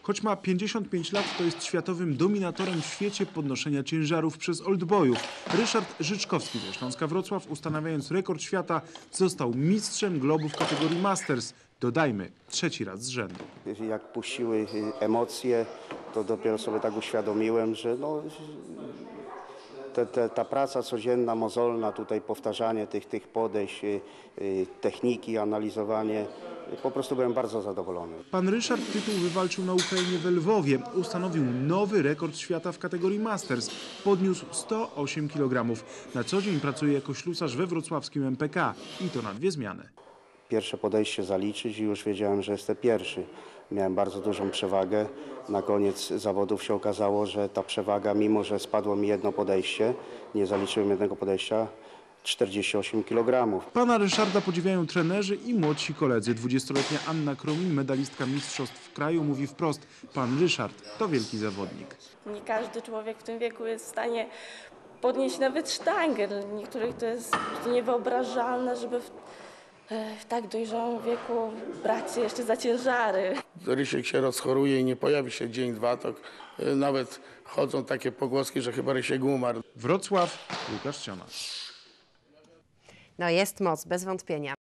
Choć ma 55 lat, to jest światowym dominatorem w świecie podnoszenia ciężarów przez oldboyów. Ryszard Życzkowski ze Śląska Wrocław, ustanawiając rekord świata, został mistrzem globu w kategorii Masters. Dodajmy, 3. raz z rzędu. Jak puściły emocje, to dopiero sobie tak uświadomiłem, że ta praca codzienna, mozolna, tutaj powtarzanie tych podejść, techniki, analizowanie, po prostu byłem bardzo zadowolony. Pan Ryszard tytuł wywalczył na Ukrainie we Lwowie. Ustanowił nowy rekord świata w kategorii Masters. Podniósł 108 kg. Na co dzień pracuje jako ślusarz we wrocławskim MPK i to na 2 zmiany. Pierwsze podejście zaliczyć i już wiedziałem, że jestem pierwszy. Miałem bardzo dużą przewagę. Na koniec zawodów się okazało, że ta przewaga, mimo że spadło mi jedno podejście, nie zaliczyłem jednego podejścia, 48 kg. Pana Ryszarda podziwiają trenerzy i młodsi koledzy. 20-letnia Anna Kromin, medalistka mistrzostw kraju, mówi wprost: pan Ryszard to wielki zawodnik. Nie każdy człowiek w tym wieku jest w stanie podnieść nawet sztangę. Dla niektórych to jest niewyobrażalne, żeby w tak dojrzałym wieku brać się jeszcze za ciężary. Rysiek się rozchoruje i nie pojawi się dzień, dwa, to nawet chodzą takie pogłoski, że chyba Rysiek umarł. Wrocław, Łukasz Ciona. No jest moc, bez wątpienia.